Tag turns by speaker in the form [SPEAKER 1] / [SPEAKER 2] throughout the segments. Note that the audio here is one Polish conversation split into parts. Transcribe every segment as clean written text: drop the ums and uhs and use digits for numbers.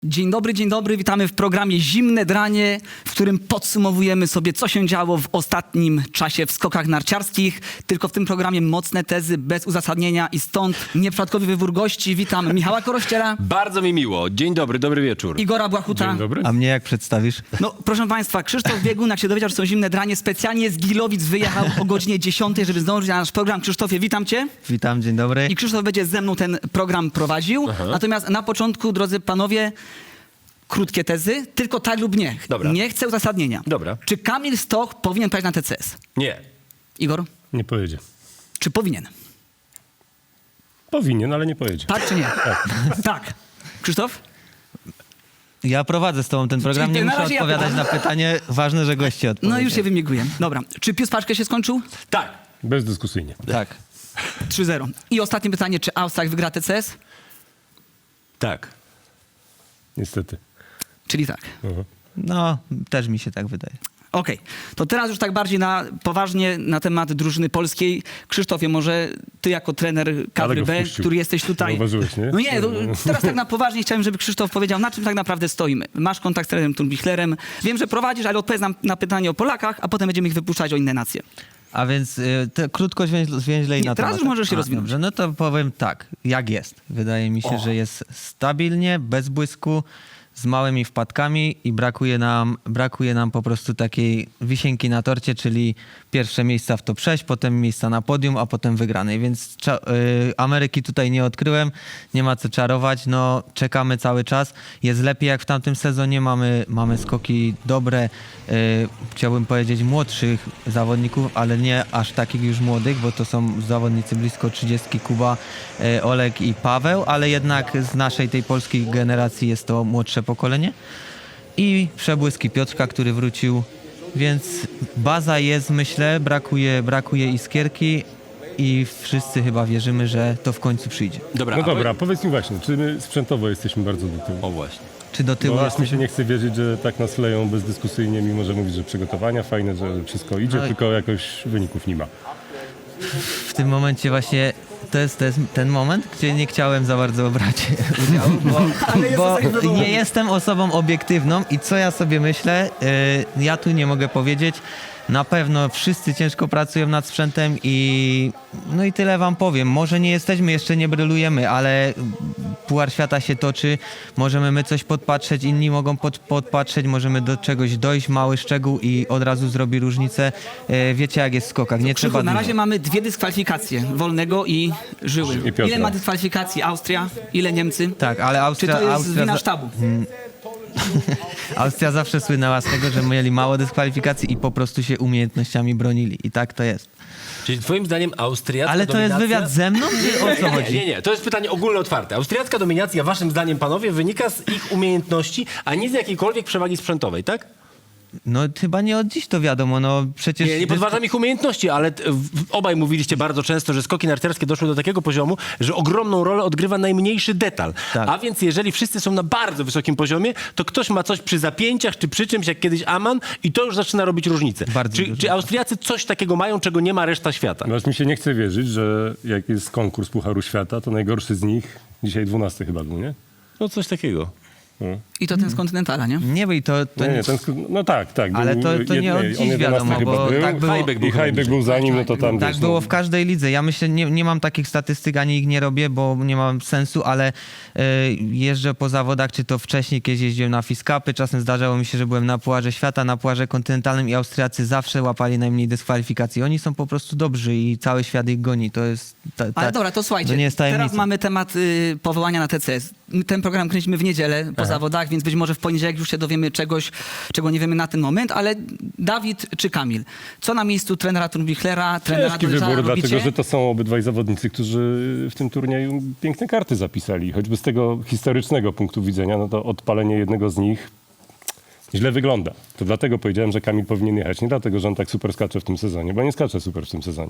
[SPEAKER 1] Dzień dobry, witamy w programie Zimne Dranie, w którym podsumowujemy sobie, co się działo w ostatnim czasie w skokach narciarskich. Tylko w tym programie mocne tezy, bez uzasadnienia i stąd nieprzypadkowy wybór gości. Witam Michała Korościela.
[SPEAKER 2] Bardzo mi miło. Dzień dobry, dobry wieczór.
[SPEAKER 1] Igora Błachuta.
[SPEAKER 3] Dzień dobry.
[SPEAKER 4] A mnie jak przedstawisz?
[SPEAKER 1] No, proszę Państwa, Krzysztof Biegun, jak się dowiedział, że są Zimne Dranie, specjalnie z Gilowic wyjechał o godzinie 10, żeby zdążyć na nasz program. Krzysztofie, witam Cię.
[SPEAKER 4] Witam, dzień dobry.
[SPEAKER 1] I Krzysztof będzie ze mną ten program prowadził. Natomiast na początku, drodzy panowie, krótkie tezy, tylko tak lub nie.
[SPEAKER 2] Dobra.
[SPEAKER 1] Nie chcę uzasadnienia.
[SPEAKER 2] Dobra.
[SPEAKER 1] Czy Kamil Stoch powinien pojechać na TCS?
[SPEAKER 2] Nie.
[SPEAKER 1] Igor?
[SPEAKER 3] Nie pojedzie.
[SPEAKER 1] Czy powinien?
[SPEAKER 3] Powinien, ale nie pojedzie.
[SPEAKER 1] Tak czy nie? Tak. Krzysztof?
[SPEAKER 4] Ja prowadzę z tobą ten program,
[SPEAKER 1] Czyli
[SPEAKER 4] nie
[SPEAKER 1] na
[SPEAKER 4] muszę
[SPEAKER 1] razie ja
[SPEAKER 4] odpowiadać
[SPEAKER 1] pytam.
[SPEAKER 4] na pytanie. Ważne, że goście odpowiedzą.
[SPEAKER 1] No już się wymiguję. Dobra. Czy Pius Paczkę się skończył?
[SPEAKER 2] Tak.
[SPEAKER 3] Bezdyskusyjnie.
[SPEAKER 4] Tak.
[SPEAKER 1] 3-0. I ostatnie pytanie, czy Austria wygra TCS?
[SPEAKER 2] Tak.
[SPEAKER 3] Niestety.
[SPEAKER 1] Czyli tak.
[SPEAKER 4] No, też mi się tak wydaje.
[SPEAKER 1] Okej. To teraz już tak bardziej poważnie na temat drużyny polskiej. Krzysztofie, może ty jako trener kadry
[SPEAKER 3] go
[SPEAKER 1] B,
[SPEAKER 3] wpuścił.
[SPEAKER 1] który jesteś tutaj.
[SPEAKER 3] Zauważyłeś, nie?
[SPEAKER 1] No nie, teraz tak na poważnie chciałem, żeby Krzysztof powiedział, na czym tak naprawdę stoimy. Masz kontakt z trenerem Turbichlerem. Wiem, że prowadzisz, ale odpowiedz nam na pytanie o Polakach, a potem będziemy ich wypuszczać o inne nacje.
[SPEAKER 4] A więc krótko, zwięźle i
[SPEAKER 1] Nie,
[SPEAKER 4] na
[SPEAKER 1] teraz
[SPEAKER 4] temat.
[SPEAKER 1] już możesz się rozwinąć.
[SPEAKER 4] Dobrze, no to powiem tak, jak jest. Wydaje mi się, że jest stabilnie, bez błysku, z małymi wpadkami i brakuje nam po prostu takiej wisienki na torcie, czyli pierwsze miejsca w top 6, potem miejsca na podium, a potem wygranej. Więc Ameryki tutaj nie odkryłem, nie ma co czarować, no czekamy cały czas. Jest lepiej jak w tamtym sezonie, mamy skoki dobre, chciałbym powiedzieć młodszych zawodników, ale nie aż takich już młodych, bo to są zawodnicy blisko 30, Kuba, Olek i Paweł, ale jednak z naszej tej polskiej generacji jest to młodsze pokolenie. I przebłyski Piotrka, który wrócił, więc baza jest, myślę, brakuje iskierki i wszyscy chyba wierzymy, że to w końcu przyjdzie.
[SPEAKER 2] Dobra.
[SPEAKER 3] No dobra, powiedz mi właśnie, czy my sprzętowo jesteśmy bardzo do tyłu?
[SPEAKER 2] O właśnie.
[SPEAKER 4] Czy do tyłu
[SPEAKER 3] Bo aż
[SPEAKER 4] jest...
[SPEAKER 3] mi się nie chce wierzyć, że tak nas leją bezdyskusyjnie, mimo że mówisz, że przygotowania fajne, że wszystko idzie,
[SPEAKER 4] No i-
[SPEAKER 3] tylko jakoś wyników nie ma.
[SPEAKER 4] W tym momencie właśnie to jest ten moment, gdzie nie chciałem za bardzo brać udziału, bo nie jestem osobą obiektywną i co ja sobie myślę, ja tu nie mogę powiedzieć. Na pewno wszyscy ciężko pracują nad sprzętem i no i tyle wam powiem. Może nie jesteśmy, jeszcze nie brylujemy, ale Puchar Świata się toczy, możemy my coś podpatrzeć, inni mogą podpatrzeć, możemy do czegoś dojść, mały szczegół i od razu zrobi różnicę. Wiecie jak jest w skokach, nie
[SPEAKER 1] Krzychu,
[SPEAKER 4] trzeba
[SPEAKER 1] na
[SPEAKER 4] dużo.
[SPEAKER 1] razie mamy 2 dyskwalifikacje, Wolnego i Żyły.
[SPEAKER 3] I Piotra.
[SPEAKER 1] Ile ma dyskwalifikacji Austria? Ile Niemcy?
[SPEAKER 4] Tak, ale
[SPEAKER 1] Czy
[SPEAKER 4] Austria...
[SPEAKER 1] to jest
[SPEAKER 4] Austria
[SPEAKER 1] wina
[SPEAKER 4] za-
[SPEAKER 1] sztabu?
[SPEAKER 4] Austria zawsze słynęła z tego, że mieli mało dyskwalifikacji i po prostu się umiejętnościami bronili. I tak to jest.
[SPEAKER 2] Czyli twoim zdaniem austriacka
[SPEAKER 4] Ale to jest
[SPEAKER 2] dominacja...
[SPEAKER 4] wywiad ze mną, czy o co chodzi?
[SPEAKER 2] Nie. To jest pytanie ogólne, otwarte. Austriacka dominacja, waszym zdaniem, panowie, wynika z ich umiejętności, a nie z jakiejkolwiek przewagi sprzętowej, tak?
[SPEAKER 4] No chyba nie od dziś to wiadomo, no przecież...
[SPEAKER 2] Nie podważam ich umiejętności, ale obaj mówiliście bardzo często, że skoki narciarskie doszły do takiego poziomu, że ogromną rolę odgrywa najmniejszy detal.
[SPEAKER 4] Tak.
[SPEAKER 2] A więc jeżeli wszyscy są na bardzo wysokim poziomie, to ktoś ma coś przy zapięciach, czy przy czymś, jak kiedyś Aman, i to już zaczyna robić różnicę.
[SPEAKER 4] Bardzo dużo.
[SPEAKER 2] Czy Austriacy coś takiego mają, czego nie ma reszta świata?
[SPEAKER 3] No aż mi się nie chce wierzyć, że jak jest konkurs Pucharu Świata, to najgorszy z nich, dzisiaj 12 chyba był, nie?
[SPEAKER 2] No coś takiego.
[SPEAKER 1] I to ten z Kontynentala, nie?
[SPEAKER 4] Nie, bo i to
[SPEAKER 3] Nie, no tak.
[SPEAKER 4] Ale
[SPEAKER 3] był
[SPEAKER 4] to nie od dziś
[SPEAKER 3] 11
[SPEAKER 4] wiadomo,
[SPEAKER 3] chyba
[SPEAKER 4] bo
[SPEAKER 3] był.
[SPEAKER 4] tak było.
[SPEAKER 2] Hajbek
[SPEAKER 3] I Hajbek był za nim, no to tam
[SPEAKER 4] Tak
[SPEAKER 3] wiesz,
[SPEAKER 4] było
[SPEAKER 3] no,
[SPEAKER 4] w każdej lidze. Ja myślę, nie mam takich statystyk, ani ich nie robię, bo nie mam sensu, ale jeżdżę po zawodach, czy to wcześniej kiedyś jeździłem na Fiskapy, czasem zdarzało mi się, że byłem na Pucharze Świata, na Pucharze Kontynentalnym i Austriacy zawsze łapali najmniej dyskwalifikacji. Oni są po prostu dobrzy i cały świat ich goni. To jest...
[SPEAKER 1] Ale dobra, to słuchajcie,
[SPEAKER 4] to nie jest
[SPEAKER 1] teraz
[SPEAKER 4] tajemnica.
[SPEAKER 1] mamy temat powołania na TCS. Ten program kręcimy w niedzielę po zawodach, więc być może w poniedziałek już się dowiemy czegoś, czego nie wiemy na ten moment, ale Dawid czy Kamil? Co na miejscu trenera Turbichlera, trenera
[SPEAKER 3] ciężki
[SPEAKER 1] Dojrzala
[SPEAKER 3] wybór,
[SPEAKER 1] robicie?
[SPEAKER 3] dlatego że to są obydwaj zawodnicy, którzy w tym turnieju piękne karty zapisali. Choćby z tego historycznego punktu widzenia, no to odpalenie jednego z nich źle wygląda. To dlatego powiedziałem, że Kamil powinien jechać. Nie dlatego, że on tak super skacze w tym sezonie, bo nie skacze super w tym sezonie.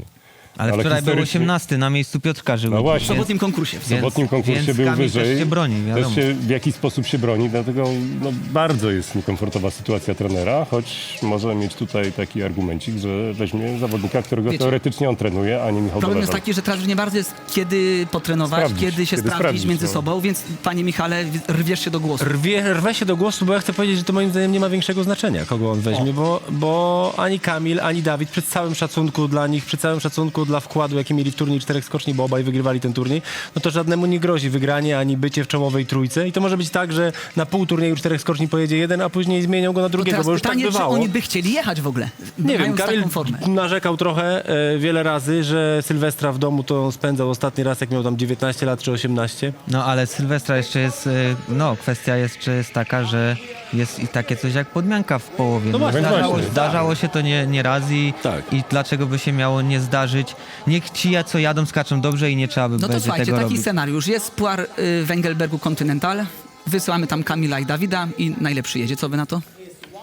[SPEAKER 4] Ale wczoraj był 18 na miejscu Piotrka Żyły.
[SPEAKER 3] No
[SPEAKER 1] W
[SPEAKER 3] właśnie.
[SPEAKER 1] sobotnim konkursie.
[SPEAKER 3] W sobotnim konkursie
[SPEAKER 4] więc
[SPEAKER 3] był
[SPEAKER 4] Kamil
[SPEAKER 3] wyżej.
[SPEAKER 4] też się broni, wiadomo.
[SPEAKER 3] Też się w jakiś sposób się broni, dlatego no, bardzo jest niekomfortowa sytuacja trenera, choć może mieć tutaj taki argumencik, że weźmie zawodnika, którego
[SPEAKER 1] Wiecie,
[SPEAKER 3] teoretycznie on trenuje, a nie Michał
[SPEAKER 1] Problem jest
[SPEAKER 3] Doleżał.
[SPEAKER 1] taki, że teraz już nie bardzo jest kiedy potrenować,
[SPEAKER 3] Sprawdzić,
[SPEAKER 1] kiedy się
[SPEAKER 3] kiedy
[SPEAKER 1] sprawdzić
[SPEAKER 3] sprawdzić,
[SPEAKER 1] między
[SPEAKER 3] no.
[SPEAKER 1] sobą, więc panie Michale, rwiesz się do głosu.
[SPEAKER 2] Rwę się do głosu, bo ja chcę powiedzieć, że to moim zdaniem nie ma większego znaczenia, kogo on weźmie, bo ani Kamil, ani Dawid, przy całym szacunku dla nich, przy całym szacunku dla wkładu, jaki mieli w turniej 4 skoczni, bo obaj wygrywali ten turniej, no to żadnemu nie grozi wygranie, ani bycie w czołowej trójce i to może być tak, że na pół turnieju 4 skoczni pojedzie jeden, a później zmienią go na
[SPEAKER 1] To
[SPEAKER 2] drugiego,
[SPEAKER 1] teraz
[SPEAKER 2] bo już
[SPEAKER 1] pytanie,
[SPEAKER 2] tak
[SPEAKER 1] czy
[SPEAKER 2] bywało.
[SPEAKER 1] oni by chcieli jechać w ogóle,
[SPEAKER 2] Nie wiem,
[SPEAKER 1] mając
[SPEAKER 2] Kamil
[SPEAKER 1] taką formę.
[SPEAKER 2] narzekał trochę wiele razy, że Sylwestra w domu to spędzał ostatni raz, jak miał tam 19 lat czy 18.
[SPEAKER 4] No ale Sylwestra jeszcze jest, no kwestia jeszcze jest taka, że jest i takie coś jak podmianka w połowie.
[SPEAKER 2] No właśnie,
[SPEAKER 3] właśnie.
[SPEAKER 4] Zdarzało się to nie raz
[SPEAKER 2] Tak.
[SPEAKER 4] i dlaczego by się miało nie zdarzyć? Niech ci, co jadą, skaczą dobrze i nie trzeba by
[SPEAKER 1] No to
[SPEAKER 4] będzie
[SPEAKER 1] słuchajcie,
[SPEAKER 4] tego
[SPEAKER 1] taki
[SPEAKER 4] robić.
[SPEAKER 1] scenariusz. Jest Puar Węgelbergu Continental, wysyłamy tam Kamila i Dawida i najlepszy jedzie. Co wy na to?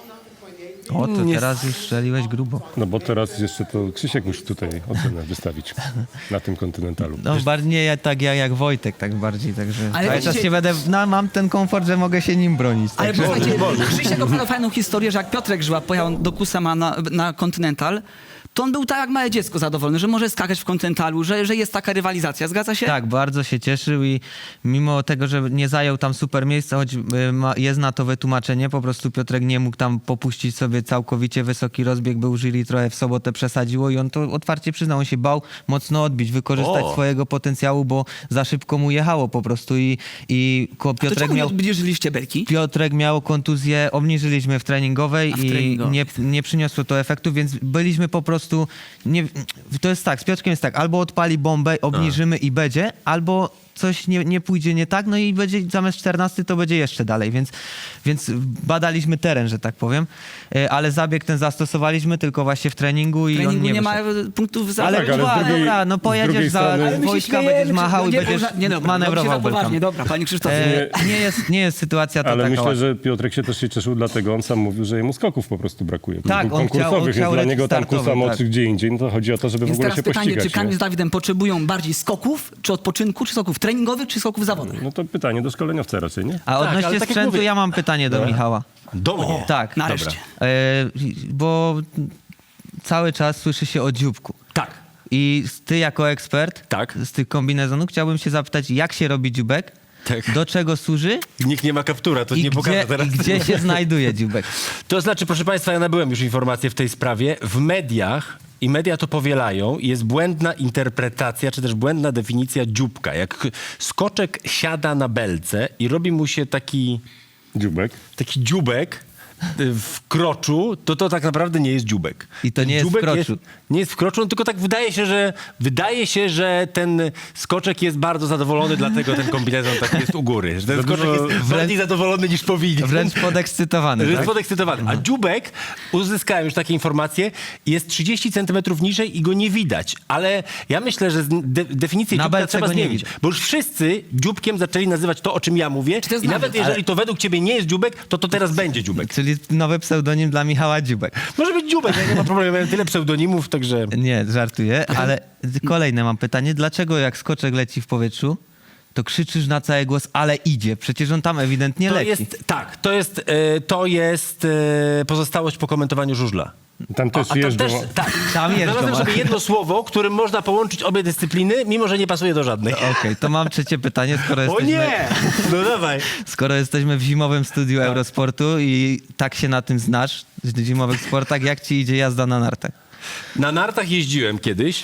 [SPEAKER 4] O, to
[SPEAKER 2] Nie-
[SPEAKER 4] teraz już strzeliłeś grubo.
[SPEAKER 3] No bo teraz jeszcze to Krzysiek musi tutaj ocenę wystawić na tym kontynentalu.
[SPEAKER 4] No bardziej jak Wojtek, tak bardziej, także
[SPEAKER 1] Ale
[SPEAKER 4] cały czas
[SPEAKER 1] widzicie-
[SPEAKER 4] się będę, no, mam ten komfort, że mogę się nim bronić.
[SPEAKER 1] Ale
[SPEAKER 4] Także.
[SPEAKER 1] posłuchajcie, Krzysiek opowiadał fajną historię, że jak Piotrek Żyła pojechał do Kusama na Continental, to on był tak jak małe dziecko zadowolony, że może skakać w Continentalu, że jest taka rywalizacja. Zgadza się?
[SPEAKER 4] Tak, bardzo się cieszył i mimo tego, że nie zajął tam super miejsca, choć jest na to wytłumaczenie, po prostu Piotrek nie mógł tam popuścić sobie całkowicie wysoki rozbieg, był jury trochę w sobotę przesadziło i on to otwarcie przyznał, on się bał mocno odbić, wykorzystać swojego potencjału, bo za szybko mu jechało po prostu i
[SPEAKER 1] To
[SPEAKER 4] Piotrek
[SPEAKER 1] czemu nie
[SPEAKER 4] miał...
[SPEAKER 1] odbliżyliście belki?
[SPEAKER 4] Piotrek miał kontuzję, obniżyliśmy w treningowej
[SPEAKER 1] A w
[SPEAKER 4] i
[SPEAKER 1] treningowej.
[SPEAKER 4] nie przyniosło to efektu, więc byliśmy po prostu... to jest tak, z Piotrkiem jest tak, albo odpali bombę, obniżymy i będzie, albo coś nie pójdzie nie tak, no i będzie zamiast 14 to będzie jeszcze dalej, więc badaliśmy teren, że tak powiem, ale zabieg ten zastosowaliśmy tylko właśnie w treningu i
[SPEAKER 1] W treningu
[SPEAKER 4] on nie
[SPEAKER 1] nie
[SPEAKER 4] wyszedł.
[SPEAKER 1] ma punktów za...
[SPEAKER 4] Ale,
[SPEAKER 3] tak, ale z
[SPEAKER 4] dobra,
[SPEAKER 3] drugiej-
[SPEAKER 4] dobra, no
[SPEAKER 3] z
[SPEAKER 4] pojedziesz
[SPEAKER 3] drugiej
[SPEAKER 4] za
[SPEAKER 3] strony-
[SPEAKER 1] Ale my się
[SPEAKER 4] Wojtka,
[SPEAKER 1] śmiejemy,
[SPEAKER 4] będziesz machał i
[SPEAKER 1] nie,
[SPEAKER 4] będziesz
[SPEAKER 1] nie, dobra,
[SPEAKER 4] manewrował
[SPEAKER 1] robicie za poważnie.
[SPEAKER 4] belkami.
[SPEAKER 1] Dobra, panie Krzysztofie.
[SPEAKER 4] Nie jest sytuacja to
[SPEAKER 3] Ale
[SPEAKER 4] taka
[SPEAKER 3] myślę,
[SPEAKER 4] łatwa.
[SPEAKER 3] że Piotrek się też się cieszył, dlatego on sam mówił, że jemu skoków po prostu brakuje.
[SPEAKER 4] Tak, on
[SPEAKER 3] konkursowych,
[SPEAKER 4] chciał
[SPEAKER 3] więc dla niego tam
[SPEAKER 4] startowy,
[SPEAKER 3] Kusamo
[SPEAKER 4] tak.
[SPEAKER 3] czy gdzie indziej, no to chodzi o to, żeby w
[SPEAKER 1] Więc
[SPEAKER 3] ogóle
[SPEAKER 1] teraz
[SPEAKER 3] się
[SPEAKER 1] pytanie,
[SPEAKER 3] pościgać.
[SPEAKER 1] czy Kamil
[SPEAKER 3] nie?
[SPEAKER 1] z Dawidem potrzebują bardziej skoków, czy odpoczynku, czy skoków treningowych, czy skoków zawodowych?
[SPEAKER 3] No to pytanie do szkoleniowca raczej, nie?
[SPEAKER 4] A odnośnie
[SPEAKER 2] ale tak jak
[SPEAKER 4] sprzętu
[SPEAKER 2] mówię-
[SPEAKER 4] ja mam pytanie do Michała.
[SPEAKER 2] Do mnie.
[SPEAKER 4] Tak,
[SPEAKER 1] Nareszcie.
[SPEAKER 4] bo cały czas słyszy się o dzióbku.
[SPEAKER 2] Tak.
[SPEAKER 4] I ty jako ekspert
[SPEAKER 2] Tak.
[SPEAKER 4] z tych kombinezonów chciałbym się zapytać, jak się robi dzióbek,
[SPEAKER 2] Tak.
[SPEAKER 4] do czego służy
[SPEAKER 2] Nikt nie ma kaptura, to nie pokażę teraz.
[SPEAKER 4] i gdzie się znajduje dzióbek.
[SPEAKER 2] To znaczy, proszę Państwa, ja nabyłem już informacje w tej sprawie. W mediach, i media to powielają, jest błędna interpretacja, czy też błędna definicja dzióbka. Jak skoczek siada na belce i robi mu się taki dzióbek w kroczu, to tak naprawdę nie jest dzióbek.
[SPEAKER 4] I to nie jest w
[SPEAKER 2] Dzióbek
[SPEAKER 4] kroczu.
[SPEAKER 2] Nie jest w kroczu, no tylko tak wydaje się, że ten skoczek jest bardzo zadowolony, dlatego ten kombinezon tak jest u góry. Że ten skoczek jest bardziej zadowolony niż powinien.
[SPEAKER 4] Wręcz podekscytowany,
[SPEAKER 2] Że jest
[SPEAKER 4] tak?
[SPEAKER 2] podekscytowany. A dzióbek, uzyskałem już takie informacje, jest 30 centymetrów niżej i go nie widać. Ale ja myślę, że definicję
[SPEAKER 4] Na
[SPEAKER 2] dzióbka
[SPEAKER 4] belce
[SPEAKER 2] trzeba
[SPEAKER 4] go nie
[SPEAKER 2] zmienić.
[SPEAKER 4] widać.
[SPEAKER 2] Bo już wszyscy dzióbkiem zaczęli nazywać to, o czym ja mówię.
[SPEAKER 1] Czy to jest
[SPEAKER 2] I nawet
[SPEAKER 1] nawet,
[SPEAKER 2] jeżeli to według ciebie nie jest dzióbek, to teraz będzie dzióbek.
[SPEAKER 4] Czyli nowy pseudonim dla Michała Dzióbek.
[SPEAKER 2] Może być dzióbek, ja nie ma problemu. Ja mam tyle pseudonimów, także...
[SPEAKER 4] Nie, żartuję, ale kolejne mam pytanie. Dlaczego jak skoczek leci w powietrzu, to krzyczysz na cały głos, ale idzie? Przecież on tam ewidentnie
[SPEAKER 2] To
[SPEAKER 4] leci.
[SPEAKER 2] jest, tak, to jest pozostałość po komentowaniu żużla.
[SPEAKER 3] Tam też
[SPEAKER 2] A tam
[SPEAKER 3] jeżdżą.
[SPEAKER 2] też, tak.
[SPEAKER 4] Tam jeżdżą,
[SPEAKER 2] Znalazłem
[SPEAKER 4] ale-
[SPEAKER 2] sobie jedno słowo, którym można połączyć obie dyscypliny, mimo że nie pasuje do żadnej.
[SPEAKER 4] Okej, to mam trzecie pytanie,
[SPEAKER 2] O nie! No dawaj.
[SPEAKER 4] Skoro jesteśmy w zimowym studiu Eurosportu i tak się na tym znasz, w zimowych sportach, jak ci idzie jazda na nartach?
[SPEAKER 2] Na nartach jeździłem kiedyś,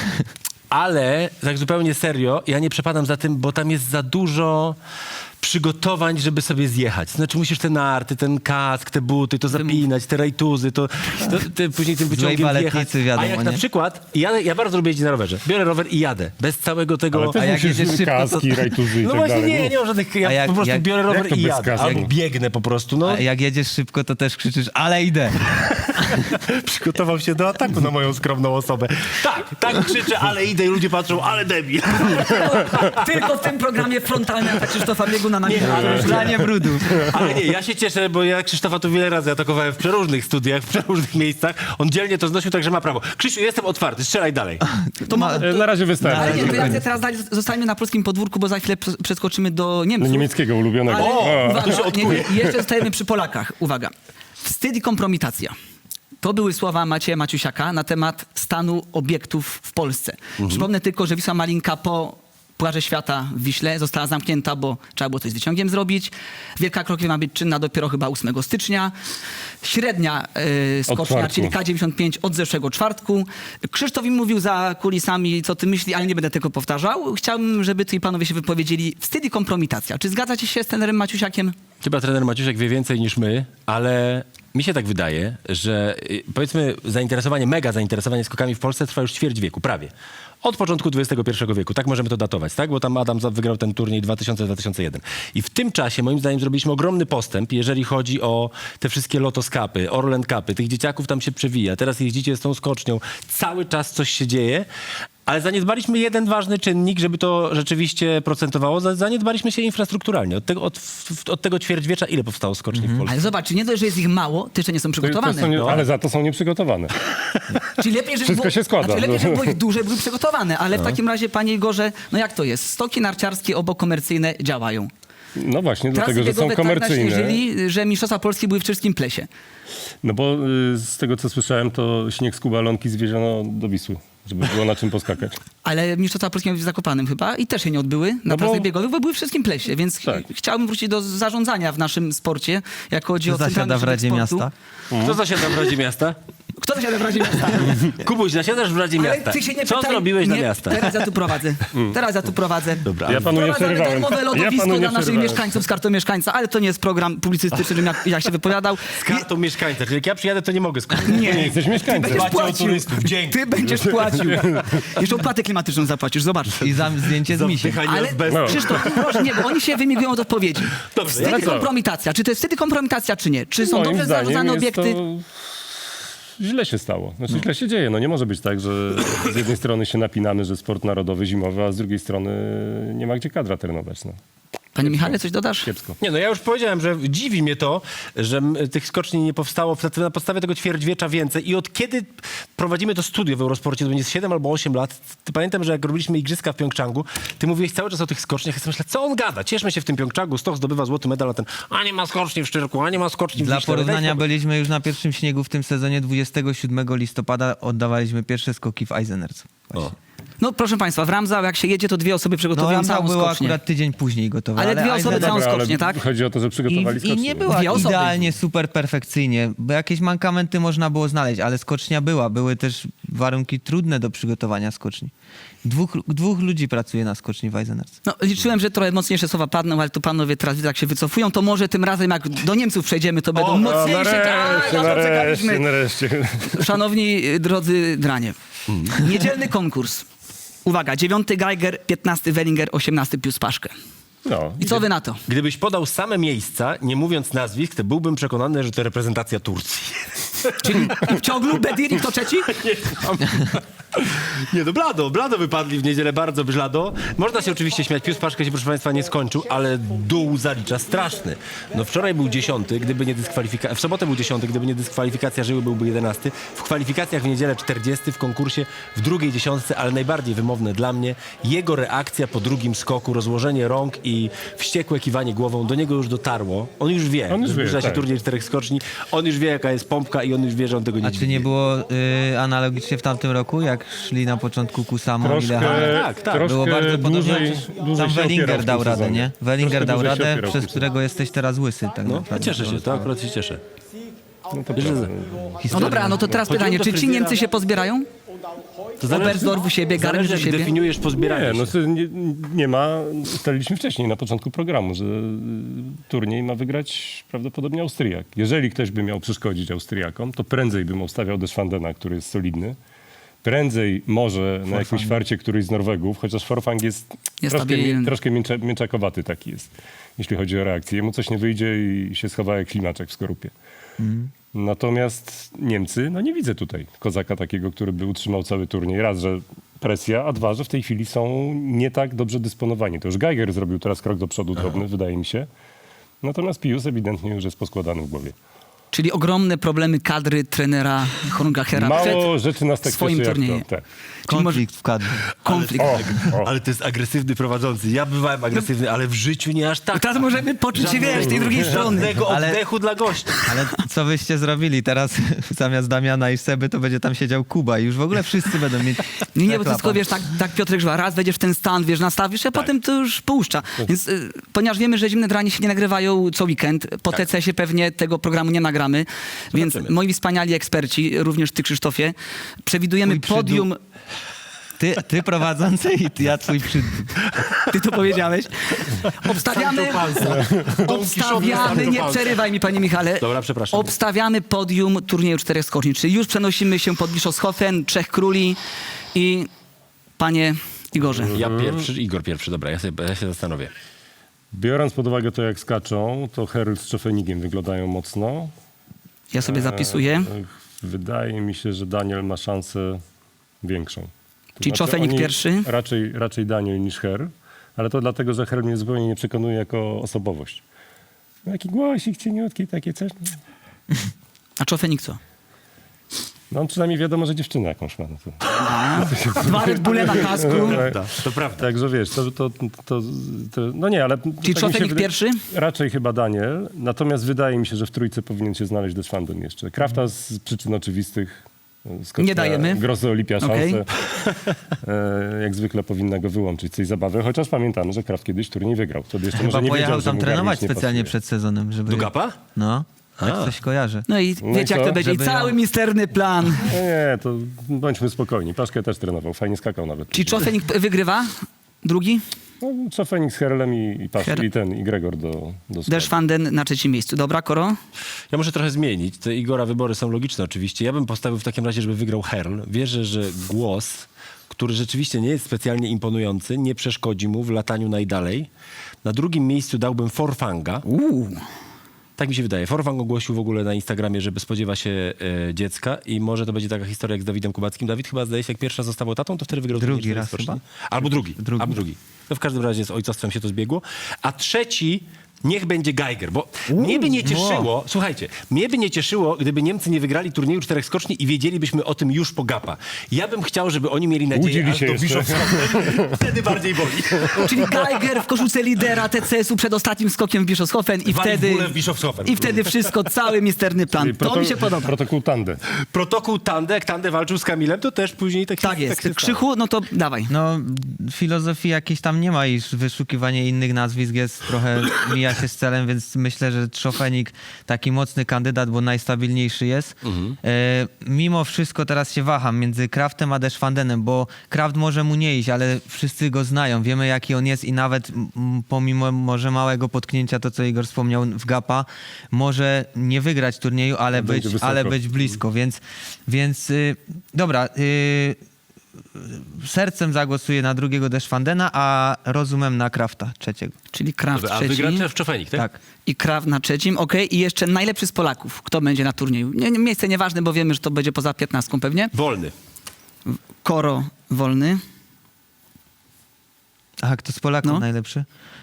[SPEAKER 2] ale tak zupełnie serio, ja nie przepadam za tym, bo tam jest za dużo przygotowań, żeby sobie zjechać. Znaczy musisz te narty, ten kask, te buty, to zapinać, te rajtuzy, to później tym wyciągiem
[SPEAKER 4] baletnicy,
[SPEAKER 2] jechać.
[SPEAKER 4] wiadomo,
[SPEAKER 2] A jak
[SPEAKER 4] nie?
[SPEAKER 2] na przykład, ja bardzo lubię jeździć na rowerze. Biorę rower i jadę. Bez całego tego...
[SPEAKER 3] Ale też
[SPEAKER 4] A jak
[SPEAKER 3] musisz
[SPEAKER 4] jedziesz szybko,
[SPEAKER 3] kaski, rajtuzy i
[SPEAKER 2] No
[SPEAKER 3] tak
[SPEAKER 2] właśnie
[SPEAKER 3] dalej.
[SPEAKER 2] nie mam żadnych...
[SPEAKER 4] A
[SPEAKER 2] Ja
[SPEAKER 4] jak-
[SPEAKER 2] po prostu
[SPEAKER 4] jak-
[SPEAKER 2] biorę rower
[SPEAKER 3] jak to
[SPEAKER 2] i
[SPEAKER 3] bez
[SPEAKER 2] jadę.
[SPEAKER 3] kasku?
[SPEAKER 2] Albo biegnę po prostu, no.
[SPEAKER 4] A jak jedziesz szybko, to też krzyczysz, ale idę.
[SPEAKER 2] Przygotował się do ataku na moją skromną osobę. Tak krzyczę, ale idę i ludzie patrzą, ale debil.
[SPEAKER 1] Tylko w tym programie frontalny atak Krzysztofa Bieguna brudna na
[SPEAKER 4] Pranie brudu.
[SPEAKER 2] Ale nie, ja się cieszę, bo ja Krzysztofa tu wiele razy atakowałem w przeróżnych studiach, w przeróżnych miejscach. On dzielnie to znosił, także ma prawo. Krzysiu, jestem otwarty, strzelaj dalej.
[SPEAKER 3] Na razie wystarczy.
[SPEAKER 1] Ale nie, to ja chcę teraz dalej, zostańmy na polskim podwórku, bo za chwilę przeskoczymy do Niemców.
[SPEAKER 3] Niemieckiego ulubionego.
[SPEAKER 1] Ale
[SPEAKER 3] O!
[SPEAKER 1] uwaga, jeszcze zostajemy przy Polakach. Uwaga. Wstyd i kompromitacja. To były słowa Macieja Maciusiaka na temat stanu obiektów w Polsce. Przypomnę tylko, że Wisła Malinka po Pucharze Świata w Wiśle została zamknięta, bo trzeba było coś z wyciągiem zrobić. Wielka Krokwie ma być czynna dopiero chyba 8 stycznia. Średnia skocznia,
[SPEAKER 3] czwartku.
[SPEAKER 1] czyli K95 od zeszłego czwartku. Krzysztof im mówił za kulisami, co ty myśli, ale nie będę tego powtarzał. Chciałbym, żeby tutaj panowie się wypowiedzieli. Wstyd i kompromitacja. Czy zgadzacie się z trenerem Maciusiakiem?
[SPEAKER 2] Chyba trener Maciusiak wie więcej niż my, ale mi się tak wydaje, że powiedzmy mega zainteresowanie skokami w Polsce trwa już ćwierć wieku, prawie. Od początku XXI wieku, tak możemy to datować, tak? Bo tam Adam wygrał ten turniej 2000-2001. I w tym czasie, moim zdaniem, zrobiliśmy ogromny postęp, jeżeli chodzi o te wszystkie Lotos Cupy, Orlen Cupy. Tych dzieciaków tam się przewija. Teraz jeździcie z tą skocznią. Cały czas coś się dzieje. Ale zaniedbaliśmy jeden ważny czynnik, żeby to rzeczywiście procentowało. Zaniedbaliśmy się infrastrukturalnie. Od tego ćwierćwiecza ile powstało skoczni w Polsce?
[SPEAKER 1] Ale zobacz, nie dość, że jest ich mało, to jeszcze nie są przygotowane.
[SPEAKER 3] Ale za to są nieprzygotowane.
[SPEAKER 1] Czyli lepiej, żeby
[SPEAKER 3] Wszystko
[SPEAKER 1] było,
[SPEAKER 3] się składa.
[SPEAKER 1] Znaczy lepiej, żeby było ich duże, były przygotowane. Ale w takim razie, panie Igorze, no jak to jest? Stoki narciarskie obokomercyjne działają.
[SPEAKER 3] No właśnie,
[SPEAKER 1] Trasy
[SPEAKER 3] dlatego, że są
[SPEAKER 1] biegowe tak
[SPEAKER 3] komercyjne.
[SPEAKER 1] naśnieżyli, że mistrzostwa Polski były w czeskim Plesie.
[SPEAKER 3] No bo z tego, co słyszałem, to śnieg z Kubalonki zwieziono do Wisły, żeby było na czym poskakać.
[SPEAKER 1] Ale mistrzostwa Polski miały być w Zakopanem chyba i też się nie odbyły na
[SPEAKER 3] No bo-
[SPEAKER 1] trasach biegowych, bo były w wszystkim Plesie. Więc
[SPEAKER 3] Tak.
[SPEAKER 1] chciałbym wrócić do zarządzania w naszym sporcie, jak chodzi
[SPEAKER 4] Kto
[SPEAKER 1] o centralny
[SPEAKER 4] zasiada w
[SPEAKER 1] ośrodek
[SPEAKER 4] Radzie
[SPEAKER 1] sportu.
[SPEAKER 4] Miasta?
[SPEAKER 2] Kto zasiada w Radzie Miasta?
[SPEAKER 1] Kto zasiada w Radzie Miasta?
[SPEAKER 2] Kubuś, zasiadasz w Radzie
[SPEAKER 1] Ale
[SPEAKER 2] Miasta.
[SPEAKER 1] ty się nie
[SPEAKER 2] Co
[SPEAKER 1] pytaj,
[SPEAKER 2] zrobiłeś
[SPEAKER 1] nie,
[SPEAKER 2] dla miasta?
[SPEAKER 1] Teraz ja tu prowadzę. Teraz ja tu prowadzę.
[SPEAKER 2] Dobra.
[SPEAKER 3] Ja panu nie
[SPEAKER 1] Wprowadzamy
[SPEAKER 3] przerywałem.
[SPEAKER 1] darmowe
[SPEAKER 3] Ja
[SPEAKER 1] lodowisko
[SPEAKER 3] panu nie
[SPEAKER 1] dla naszych
[SPEAKER 3] przerywałem.
[SPEAKER 1] mieszkańców z kartą mieszkańca, ale to nie jest program publicystyczny, żebym jak się wypowiadał.
[SPEAKER 2] Z kartą mieszkańca. Czyli jak ja przyjadę, to nie mogę skończyć.
[SPEAKER 3] Nie jesteś mieszkańcem.
[SPEAKER 1] Będziesz
[SPEAKER 2] Płacił
[SPEAKER 1] płacił.
[SPEAKER 2] turystów. Dzięki.
[SPEAKER 1] Ty będziesz płacił. Jeszcze opłatę klimatyczną zapłacisz, zobacz.
[SPEAKER 4] I zdjęcie z misiem.
[SPEAKER 1] Ale
[SPEAKER 3] No.
[SPEAKER 1] Krzysztof, proszę, nie, bo oni się wymigują od odpowiedzi.
[SPEAKER 2] Dobrze,
[SPEAKER 1] Wstyd
[SPEAKER 3] ale
[SPEAKER 1] i
[SPEAKER 3] co?
[SPEAKER 1] kompromitacja. Czy to jest wstyd i kompromitacja, czy nie? Czy są
[SPEAKER 3] Moim
[SPEAKER 1] dobrze
[SPEAKER 3] zdaniem
[SPEAKER 1] zarządzane
[SPEAKER 3] jest
[SPEAKER 1] obiekty?
[SPEAKER 3] to... Źle się stało. Znaczy źle się dzieje. No nie może być tak, że z jednej strony się napinamy, że sport narodowy zimowy, a z drugiej strony nie ma gdzie kadra trenować. No.
[SPEAKER 1] Panie Michale, coś dodasz?
[SPEAKER 3] Kiepsko.
[SPEAKER 2] Nie, no ja już powiedziałem, że dziwi mnie to, że tych skoczni nie powstało na podstawie tego ćwierćwiecza więcej. I od kiedy prowadzimy to studio w Eurosporcie, to będzie 7 albo 8 lat, to pamiętam, że jak robiliśmy igrzyska w Pjongczangu, ty mówiłeś cały czas o tych skoczniach. Ja sobie myślę, co on gada? Cieszmy się w tym Pjongczangu, Stoch zdobywa złoty medal, a ten, a nie ma skoczni w Szczyrku, a nie ma skoczni w
[SPEAKER 4] Dla
[SPEAKER 2] Wiśle.
[SPEAKER 4] porównania
[SPEAKER 2] Daj spokój.
[SPEAKER 4] byliśmy już na pierwszym śniegu w tym sezonie. 27 listopada oddawaliśmy pierwsze skoki w Eisenerz.
[SPEAKER 1] No proszę państwa, w Ramsau jak się jedzie, to dwie osoby
[SPEAKER 4] No
[SPEAKER 1] przygotowują
[SPEAKER 4] Ramsau
[SPEAKER 1] całą
[SPEAKER 4] było
[SPEAKER 1] skocznię.
[SPEAKER 4] akurat tydzień później gotowe.
[SPEAKER 1] Ale dwie osoby
[SPEAKER 4] Eisenerz-
[SPEAKER 1] całą
[SPEAKER 3] Dobra, ale
[SPEAKER 1] skocznię, tak?
[SPEAKER 3] chodzi o to, że przygotowali
[SPEAKER 4] I
[SPEAKER 3] skocznie.
[SPEAKER 4] nie była
[SPEAKER 1] Dwie osoby.
[SPEAKER 4] idealnie, super perfekcyjnie, bo jakieś mankamenty można było znaleźć, ale skocznia była. Były też warunki trudne do przygotowania skoczni. Dwóch ludzi pracuje na skoczni w Eisenerz.
[SPEAKER 1] No, liczyłem, że trochę mocniejsze słowa padną, ale tu panowie teraz widzę, jak się wycofują, to może tym razem, jak do Niemców przejdziemy, to będą mocniejsze.
[SPEAKER 3] Nareszcie.
[SPEAKER 1] Szanowni drodzy dranie, niedzielny konkurs. Uwaga, 9 Geiger, 15 Wellinger, 18 Pius Paszkę.
[SPEAKER 3] No.
[SPEAKER 1] I co wy na to?
[SPEAKER 2] Gdybyś podał same miejsca, nie mówiąc nazwisk, to byłbym przekonany, że to reprezentacja Turcji.
[SPEAKER 1] Czyli w ciąglu, Bedir i kto trzeci?
[SPEAKER 2] Nie, no blado wypadli w niedzielę, bardzo blado. Można się oczywiście śmiać, Pius Paszkę się, proszę państwa, nie skończył, ale dół zalicza straszny. No wczoraj był 10, gdyby nie dyskwalifikacja, w sobotę był 10, gdyby nie dyskwalifikacja Żyły, byłby 11. W kwalifikacjach w niedzielę 40, w konkursie w drugiej dziesiątce, ale najbardziej wymowne dla mnie, jego reakcja po drugim skoku, rozłożenie rąk i wściekłe kiwanie głową, do niego już dotarło. On już wie,
[SPEAKER 3] On już
[SPEAKER 2] że
[SPEAKER 3] wie,
[SPEAKER 2] zbliża się
[SPEAKER 3] tak.
[SPEAKER 2] turniej 4 skoczni, on już wie, jaka jest pompka i on już wie, że on tego nie
[SPEAKER 4] A czy nie było analogicznie w tamtym roku, jak szli na początku Kusamo i Lehane?
[SPEAKER 2] Tak.
[SPEAKER 3] Troszkę
[SPEAKER 4] Było bardzo podobnie.
[SPEAKER 3] dłużej
[SPEAKER 4] Tam
[SPEAKER 3] się
[SPEAKER 4] Wellinger
[SPEAKER 3] opierał w
[SPEAKER 4] dał
[SPEAKER 3] tym
[SPEAKER 4] radę,
[SPEAKER 3] sezonie.
[SPEAKER 4] nie? Wellinger
[SPEAKER 3] Troszkę
[SPEAKER 4] dał
[SPEAKER 3] dłużej się
[SPEAKER 4] radę,
[SPEAKER 3] opierał w
[SPEAKER 4] przez
[SPEAKER 3] tym
[SPEAKER 4] którego jesteś teraz łysy. Tak
[SPEAKER 2] No,
[SPEAKER 4] naprawdę.
[SPEAKER 2] cieszę się, to akurat się cieszę.
[SPEAKER 3] No to
[SPEAKER 2] Wiesz, że-
[SPEAKER 3] prawda.
[SPEAKER 1] No dobra, no to teraz
[SPEAKER 2] Chodziłem
[SPEAKER 1] pytanie,
[SPEAKER 2] do
[SPEAKER 1] czy ci
[SPEAKER 2] fryzjera.
[SPEAKER 1] Niemcy się pozbierają?
[SPEAKER 2] To
[SPEAKER 1] Oberstdorf u siebie, Garmisch u
[SPEAKER 2] jak
[SPEAKER 1] siebie?
[SPEAKER 2] definiujesz pozbieranie
[SPEAKER 3] Nie, no
[SPEAKER 2] się.
[SPEAKER 3] to nie ma, ustaliliśmy wcześniej na początku programu, że turniej ma wygrać prawdopodobnie Austriak. Jeżeli ktoś by miał przeszkodzić Austriakom, to prędzej bym obstawiał Deschwandena, który jest solidny. Prędzej może na jakimś farcie któryś z Norwegów, chociaż Forfang jest
[SPEAKER 1] Niestabilny.
[SPEAKER 3] troszkę mięczakowaty taki jest, jeśli chodzi o reakcję. Jemu coś nie wyjdzie i się schowa jak ślimaczek w skorupie. Natomiast Niemcy, no nie widzę tutaj kozaka takiego, który by utrzymał cały turniej. Raz, że presja, a dwa, że w tej chwili są nie tak dobrze dysponowani. To już Geiger zrobił teraz krok do przodu drobny, wydaje mi się. Natomiast Pius ewidentnie już jest poskładany w głowie.
[SPEAKER 1] Czyli ogromne problemy kadry trenera Horngachera
[SPEAKER 3] Mało
[SPEAKER 1] przed
[SPEAKER 3] rzeczy nas tak
[SPEAKER 1] swoim
[SPEAKER 3] cieszy jak
[SPEAKER 1] turniejem.
[SPEAKER 3] to. Tak.
[SPEAKER 1] Czyli może
[SPEAKER 4] Konflikt w kadrze.
[SPEAKER 1] konflikt.
[SPEAKER 2] Ale to jest agresywny prowadzący. Ja bywałem agresywny, ale w życiu nie aż tak.
[SPEAKER 1] Teraz możemy poczuć się, wiesz, tej drugiej strony.
[SPEAKER 2] Żadnego
[SPEAKER 4] Ale-
[SPEAKER 2] oddechu dla gościa.
[SPEAKER 4] Ale co wyście zrobili? Teraz zamiast Damiana i Seby to będzie tam siedział Kuba i już w ogóle wszyscy będą mieć...
[SPEAKER 1] Nie, bo to tylko,
[SPEAKER 4] klapa.
[SPEAKER 1] wiesz, tak Piotrek Żła, raz wejdziesz w ten stan, wiesz, nastawisz, a potem to już puszcza. Więc ponieważ wiemy, że Zimne Dranie się nie nagrywają co weekend, po TC-sie pewnie tego programu nie nagramy, więc moi wspaniali eksperci, również ty, Krzysztofie, przewidujemy
[SPEAKER 4] Twój
[SPEAKER 1] podium...
[SPEAKER 4] Ty prowadzący i ja twój
[SPEAKER 1] Ty to powiedziałeś. Obstawiamy, nie przerywaj mi, panie Michale.
[SPEAKER 2] Dobra, przepraszam.
[SPEAKER 1] Obstawiamy podium turnieju 4 skoczni, czyli już przenosimy się pod Bischofshofen, 3 króli i panie Igorze.
[SPEAKER 2] Ja pierwszy, Igor pierwszy, dobra, ja się zastanowię.
[SPEAKER 3] Biorąc pod uwagę to, jak skaczą, to Herl z Czofenigiem wyglądają mocno.
[SPEAKER 1] Ja sobie zapisuję.
[SPEAKER 3] Wydaje mi się, że Daniel ma szansę większą. To
[SPEAKER 1] Czyli Czofenik
[SPEAKER 3] oni
[SPEAKER 1] pierwszy?
[SPEAKER 3] Raczej Daniel niż Herl, ale to dlatego, że Herl mnie zupełnie nie przekonuje jako osobowość. Taki głosik cieniutki, takie coś.
[SPEAKER 1] A Czofenik co?
[SPEAKER 3] No przynajmniej wiadomo, że dziewczynę jakąś ma. No to.
[SPEAKER 1] Dwa Red Bulle na kasku.
[SPEAKER 2] To prawda.
[SPEAKER 3] Także wiesz, no nie, ale...
[SPEAKER 1] Czyli
[SPEAKER 3] tak mi się
[SPEAKER 1] Czofenik
[SPEAKER 3] wydaje-
[SPEAKER 1] pierwszy?
[SPEAKER 3] Raczej chyba Daniel, natomiast wydaje mi się, że w trójce powinien się znaleźć Deschwanden jeszcze. Krafta z przyczyn oczywistych. Skocznia
[SPEAKER 1] Nie dajemy.
[SPEAKER 3] Grosso Olimpia
[SPEAKER 1] Okej.
[SPEAKER 3] szansę. Jak zwykle powinna go wyłączyć z tej zabawy, chociaż pamiętamy, że Kraft kiedyś turniej wygrał. Wtedy jeszcze
[SPEAKER 4] Chyba
[SPEAKER 3] może nie
[SPEAKER 4] pojechał
[SPEAKER 3] wiedział, że
[SPEAKER 4] tam
[SPEAKER 3] mu
[SPEAKER 4] trenować
[SPEAKER 3] garnisz nie
[SPEAKER 4] specjalnie
[SPEAKER 3] pasuje.
[SPEAKER 4] przed sezonem, żeby...
[SPEAKER 2] Do Gapa?
[SPEAKER 4] No, tak coś kojarzę.
[SPEAKER 1] No i
[SPEAKER 3] No
[SPEAKER 1] wiecie,
[SPEAKER 3] i
[SPEAKER 1] jak
[SPEAKER 3] co?
[SPEAKER 1] to będzie. I
[SPEAKER 4] Żeby
[SPEAKER 1] cały
[SPEAKER 4] ją-
[SPEAKER 1] misterny plan.
[SPEAKER 3] Nie, to bądźmy spokojni. Paszkę też trenował, fajnie skakał nawet.
[SPEAKER 1] Czyli Czofenik wygrywa? Drugi?
[SPEAKER 3] No, Czofenik z Herlem i
[SPEAKER 1] Her-
[SPEAKER 3] i Gregor do składu.
[SPEAKER 1] Deschwanden na trzecim miejscu. Dobra, Koro?
[SPEAKER 2] Ja muszę trochę zmienić. Te Igora wybory są logiczne oczywiście. Ja bym postawił w takim razie, żeby wygrał Herl. Wierzę, że głos, który rzeczywiście nie jest specjalnie imponujący, nie przeszkodzi mu w lataniu najdalej. Na drugim miejscu dałbym Forfanga. Tak mi się wydaje. Forfang ogłosił w ogóle na Instagramie, że spodziewa się dziecka i może to będzie taka historia jak z Dawidem Kubackim. Dawid chyba zdaje się, jak pierwszy raz został tatą, to wtedy wygrał
[SPEAKER 4] Drugi
[SPEAKER 2] turniej
[SPEAKER 4] raz
[SPEAKER 2] skoczni.
[SPEAKER 4] chyba?
[SPEAKER 2] Albo drugi. No w każdym razie z ojcostwem się to zbiegło. A trzeci niech będzie Geiger, bo mnie by nie cieszyło, słuchajcie, mnie by nie cieszyło, gdyby Niemcy nie wygrali turnieju 4 skoczni i wiedzielibyśmy o tym już po Gapa. Ja bym chciał, żeby oni mieli nadzieję,
[SPEAKER 3] Łudzili
[SPEAKER 2] aż
[SPEAKER 3] się
[SPEAKER 2] do
[SPEAKER 3] jeszcze.
[SPEAKER 2] Bischofshofen. Wtedy bardziej boli.
[SPEAKER 1] Czyli Geiger w koszulce lidera TCS-u przed ostatnim skokiem w Bischofshofen i
[SPEAKER 2] Wali w
[SPEAKER 1] wtedy...
[SPEAKER 2] bóle w Bischofshofen.
[SPEAKER 1] I wtedy wszystko, cały misterny plan. To mi się podoba.
[SPEAKER 3] Protokół Tande.
[SPEAKER 2] Protokół Tande, jak Tande walczył z Kamilem, to też później
[SPEAKER 1] Tak jest.
[SPEAKER 2] się stało.
[SPEAKER 1] Krzychu, no to dawaj.
[SPEAKER 4] No, filozofii jakiejś tam nie ma i wyszukiwanie innych nazwisk jest trochę, mija się z celem, więc myślę, że Czofenik taki mocny kandydat, bo najstabilniejszy jest. Mimo wszystko teraz się waham między Kraftem a Deschwandenem, bo Kraft może mu nie iść, ale wszyscy go znają, wiemy jaki on jest i nawet pomimo może małego potknięcia, to co Igor wspomniał w Gapa, może nie wygrać turnieju, ale
[SPEAKER 3] Będzie wysoko.
[SPEAKER 4] być blisko, więc dobra, sercem zagłosuję na drugiego Deschwandena, a rozumem na Krafta trzeciego.
[SPEAKER 1] Czyli Kraft
[SPEAKER 2] A
[SPEAKER 1] trzeci.
[SPEAKER 2] wygra w Czofenik, tak?
[SPEAKER 4] Tak.
[SPEAKER 1] I Kraft na trzecim, okej. I jeszcze najlepszy z Polaków. Kto będzie na turnieju? Miejsce nieważne, bo wiemy, że to będzie poza 15 pewnie.
[SPEAKER 2] Wolny.
[SPEAKER 1] Koro wolny.
[SPEAKER 4] Aha, kto z Polaków
[SPEAKER 1] No.
[SPEAKER 4] najlepszy?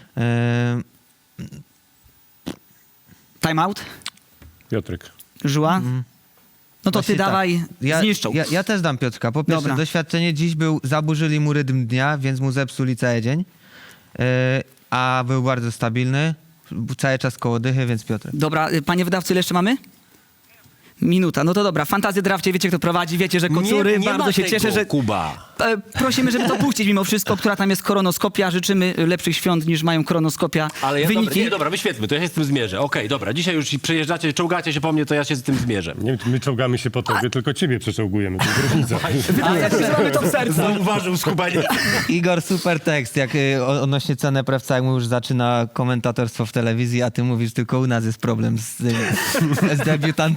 [SPEAKER 1] Time out.
[SPEAKER 3] Piotrek.
[SPEAKER 1] Żuła. No to ty
[SPEAKER 4] Właśnie tak.
[SPEAKER 1] dawaj, zniszczą.
[SPEAKER 4] Ja też dam Piotrka. Po pierwsze,
[SPEAKER 1] Dobra.
[SPEAKER 4] doświadczenie dziś zaburzyli mu rytm dnia, więc mu zepsuli cały dzień. A był bardzo stabilny. Był cały czas koło dychy, więc Piotrek.
[SPEAKER 1] Dobra, panie wydawcy, ile jeszcze mamy? Minuta. No to dobra. Fantazję Drafcie, wiecie kto prowadzi, wiecie, że Kocury.
[SPEAKER 2] nie
[SPEAKER 1] Bardzo
[SPEAKER 2] ma
[SPEAKER 1] się
[SPEAKER 2] tego,
[SPEAKER 1] cieszę, że...
[SPEAKER 2] Kuba.
[SPEAKER 1] Prosimy, żeby to puścić mimo wszystko, która tam jest koronoskopia. Życzymy lepszych świąt niż mają koronoskopia.
[SPEAKER 2] Ale ja
[SPEAKER 1] Wyniki.
[SPEAKER 2] dobra, wyświetlmy, to ja się z tym zmierzę. Okej, dobra, dzisiaj już przejeżdżacie, czołgacie się po mnie, to ja się z tym zmierzę.
[SPEAKER 3] Nie, my czołgamy się po tobie, tylko ciebie przeczołgujemy. To jest różnica.
[SPEAKER 1] A ja mamy to w sercu.
[SPEAKER 2] Zauważył skubanie.
[SPEAKER 4] Igor, super tekst, jak odnośnie cenę Prewca, jak mu już zaczyna komentatorstwo w telewizji, a ty mówisz, tylko u nas jest problem z debiutantami. Bardzo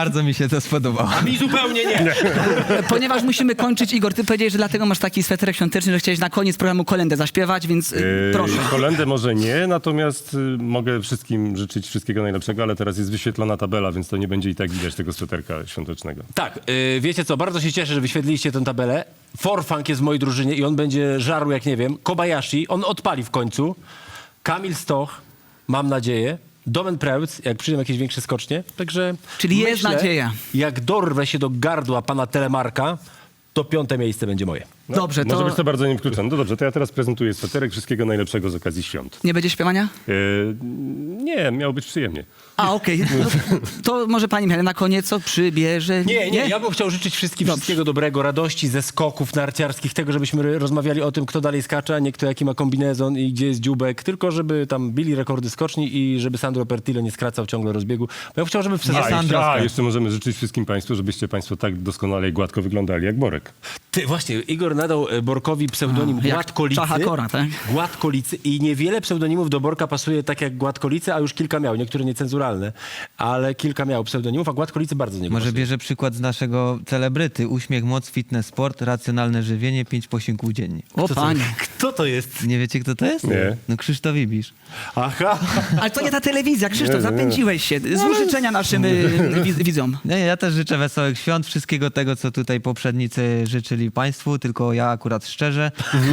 [SPEAKER 4] Bardzo mi się to spodobało.
[SPEAKER 2] Mi zupełnie nie.
[SPEAKER 1] Ponieważ musimy kończyć, Igor, ty powiedziałeś, że dlatego masz taki sweterek świąteczny, że chciałeś na koniec programu kolędę zaśpiewać, więc proszę.
[SPEAKER 3] Kolędę może nie, natomiast mogę wszystkim życzyć wszystkiego najlepszego, ale teraz jest wyświetlona tabela, więc to nie będzie i tak widać tego sweterka świątecznego.
[SPEAKER 2] Tak, wiecie co, bardzo się cieszę, że wyświetliliście tę tabelę. Forfunk jest w mojej drużynie i on będzie żarł jak nie wiem. Kobayashi, on odpali w końcu. Kamil Stoch, mam nadzieję. Domen Prełc, jak przyjdą jakieś większe skocznie. Także
[SPEAKER 1] Czyli jest nadzieja.
[SPEAKER 2] Jak dorwę się do gardła pana Telemarka, to 5. miejsce będzie moje.
[SPEAKER 1] Dobrze,
[SPEAKER 3] Może
[SPEAKER 1] to
[SPEAKER 3] być to bardzo niewykluczone. No dobrze, to ja teraz prezentuję sweterek. Wszystkiego najlepszego z okazji świąt.
[SPEAKER 1] nie będzie śpiewania?
[SPEAKER 3] Nie, miało być przyjemnie.
[SPEAKER 1] A, okej. No, to może pani Michale na koniec co przybierze?
[SPEAKER 2] Nie, ja bym chciał życzyć wszystkim
[SPEAKER 1] Dobrze.
[SPEAKER 2] wszystkiego dobrego, radości ze skoków narciarskich, tego, żebyśmy rozmawiali o tym, kto dalej skacze, a nie kto jaki ma kombinezon i gdzie jest dziubek, tylko żeby tam bili rekordy skoczni i żeby Sandro Pertile nie skracał ciągle rozbiegu. Bo ja bym chciał, żeby w sezonie...
[SPEAKER 3] Jeszcze możemy życzyć wszystkim państwu, żebyście państwo tak doskonale i gładko wyglądali jak Borek.
[SPEAKER 2] Ty, właśnie, Igor nadał Borkowi pseudonim
[SPEAKER 1] jak
[SPEAKER 2] Gładkolicy.
[SPEAKER 1] Czacha Kora, tak?
[SPEAKER 2] Gładkolicy i niewiele pseudonimów do Borka pasuje tak jak Gładkolicy, a już kilka miał, niektóre niecenzuralne, ale kilka miał pseudonimów, a Gładkolicy bardzo nie
[SPEAKER 4] Może
[SPEAKER 2] pasuje.
[SPEAKER 4] bierze przykład z naszego celebryty. Uśmiech, moc, fitness, sport, racjonalne żywienie, 5 posiłków dziennie.
[SPEAKER 1] O panie.
[SPEAKER 2] Kto to jest?
[SPEAKER 4] Nie wiecie, kto to jest?
[SPEAKER 3] Nie.
[SPEAKER 4] No Krzysztof Ibisz.
[SPEAKER 2] Aha.
[SPEAKER 1] Ale to nie ta telewizja, Krzysztof, zapędziłeś się. Złóż życzenia naszym widzom.
[SPEAKER 4] Nie, ja też życzę wesołych świąt, wszystkiego tego, co tutaj poprzednicy życzyli państwu, tylko ja akurat szczerze.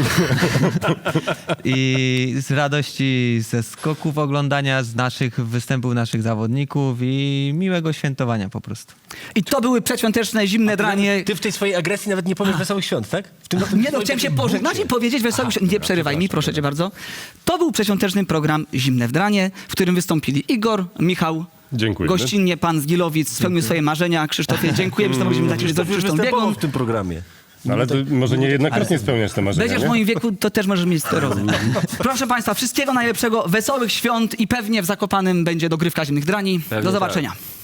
[SPEAKER 4] I z radości ze skoków oglądania, z naszych występów naszych zawodników i miłego świętowania po prostu.
[SPEAKER 1] I to były przedświąteczne, zimne dranie.
[SPEAKER 2] Ty w tej swojej agresji nawet nie powiesz wesołych świąt, tak? W tym
[SPEAKER 1] Nie no, chciałem się pożegnać i powiedzieć wesołych świąt. Nie przerywaj mi, proszę cię bardzo. To był przedświąteczny program Zimne w Dranie, w którym wystąpili Igor, Michał,
[SPEAKER 3] Dziękuję.
[SPEAKER 1] gościnnie pan z Gilowic, spełnił swoje marzenia. Krzysztofie, dziękuję, że mogliśmy dać
[SPEAKER 2] Krzysztof już
[SPEAKER 1] uroczystą
[SPEAKER 2] występował
[SPEAKER 1] biegą.
[SPEAKER 2] w tym programie.
[SPEAKER 3] No, ale to może nie jednokrotnie spełniać te marzenia,
[SPEAKER 1] Będziesz w
[SPEAKER 3] nie?
[SPEAKER 1] moim wieku, to też możesz mieć sklerozę. Proszę państwa, wszystkiego najlepszego, wesołych świąt i pewnie w Zakopanem będzie dogrywka Zimnych Drani.
[SPEAKER 2] Pewnie
[SPEAKER 1] Do zobaczenia.